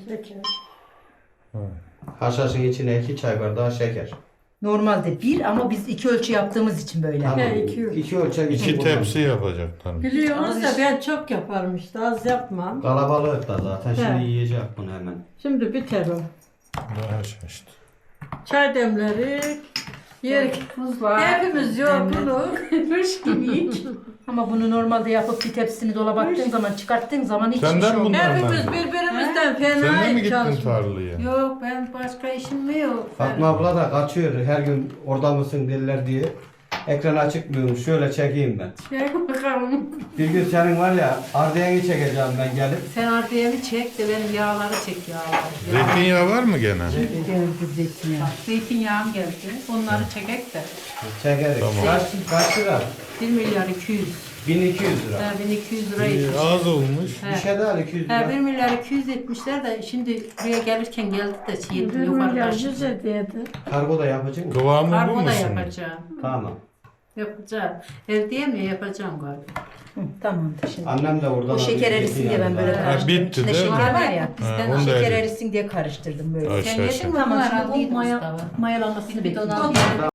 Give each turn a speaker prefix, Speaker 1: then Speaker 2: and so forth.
Speaker 1: Şeker.
Speaker 2: Haşhaşın içine 2 çay bardağı şeker.
Speaker 3: Normalde 1 ama biz 2 ölçü yaptığımız için böyle.
Speaker 2: Tamam.
Speaker 1: He, 2
Speaker 2: 2 ölçek için
Speaker 4: 2
Speaker 2: kullan.
Speaker 4: tepsi yapacaklar.
Speaker 1: Biliyorsunuz da ben çok yaparım işte az yapmam.
Speaker 2: Kalabalık da zaten şimdi
Speaker 1: He.
Speaker 2: yiyecek bunu hemen.
Speaker 1: Şimdi biter o.
Speaker 4: Daha şaştı.
Speaker 1: Çay demleri. Yer
Speaker 3: Buzlar.
Speaker 1: hepimiz yorgunluk. Hış gibiyik.
Speaker 3: Ama bunu normalde yapıp bir tepsini dolaba attığın zaman çıkarttığın zaman hiçbir
Speaker 4: Senden
Speaker 3: şey olmaz.
Speaker 4: bunlar
Speaker 1: Hepimiz
Speaker 4: mı?
Speaker 1: birbirimizden
Speaker 4: Sen de mi
Speaker 1: fena
Speaker 4: gittin
Speaker 1: çalışıyoruz.
Speaker 4: tarlaya?
Speaker 1: Yok ben başka işim mi yok?
Speaker 2: Fatma abla da kaçıyor her gün orada mısın derler diye. Ekranı çıkmıyorum şöyle çekeyim ben.
Speaker 1: Şey bakalım.
Speaker 2: Bir gün senin var ya ardiyanı çekeceğim ben gelip.
Speaker 1: Sen ardiyemi çek de benim yağları çek yağları.
Speaker 4: Zeytinyağı var mı gene?
Speaker 3: Geldi zeytinyağı.
Speaker 1: Zeytinyağım geldi. Onları çekek de.
Speaker 2: Çekeriz.
Speaker 4: Tamam.
Speaker 2: Kaç lira?
Speaker 1: 1 milyar 200.
Speaker 2: 1200 lira.
Speaker 1: Ha, 1200 lira etmiş.
Speaker 4: Az olmuş.
Speaker 2: Bir şey daha 200
Speaker 1: Ha,
Speaker 2: lira.
Speaker 1: 1 milyar 200 etmişler de şimdi buraya gelirken geldi de şey ettim yukarı karşı.
Speaker 2: Kargo da yapacak mı?
Speaker 4: Kıvamı bu
Speaker 1: Kargo
Speaker 4: mu
Speaker 1: da
Speaker 4: şimdi?
Speaker 1: yapacağım.
Speaker 2: Tamam.
Speaker 1: Yapacağım. Ev diyemiyor yapacağım galiba.
Speaker 3: Hı, tamamdır şimdi.
Speaker 2: Annem de oradan
Speaker 3: O şeker erisin diye ben böyle
Speaker 1: Ha,
Speaker 3: karıştırdım.
Speaker 4: bitti
Speaker 3: İçinde
Speaker 4: değil mi?
Speaker 3: şeker var ya.
Speaker 1: Bizden
Speaker 4: onu da
Speaker 3: Şeker
Speaker 4: erit.
Speaker 3: erisin diye karıştırdım böyle.
Speaker 4: Ay,
Speaker 1: Sen
Speaker 4: Aşağı
Speaker 1: yedin
Speaker 4: aşağı.
Speaker 1: mi?
Speaker 3: Tamam
Speaker 1: Bunlar
Speaker 3: şimdi
Speaker 1: aldıydı
Speaker 3: o
Speaker 1: Mustafa.
Speaker 3: mayalamasını
Speaker 1: Bir ton
Speaker 3: bekliyorum.
Speaker 1: aldı.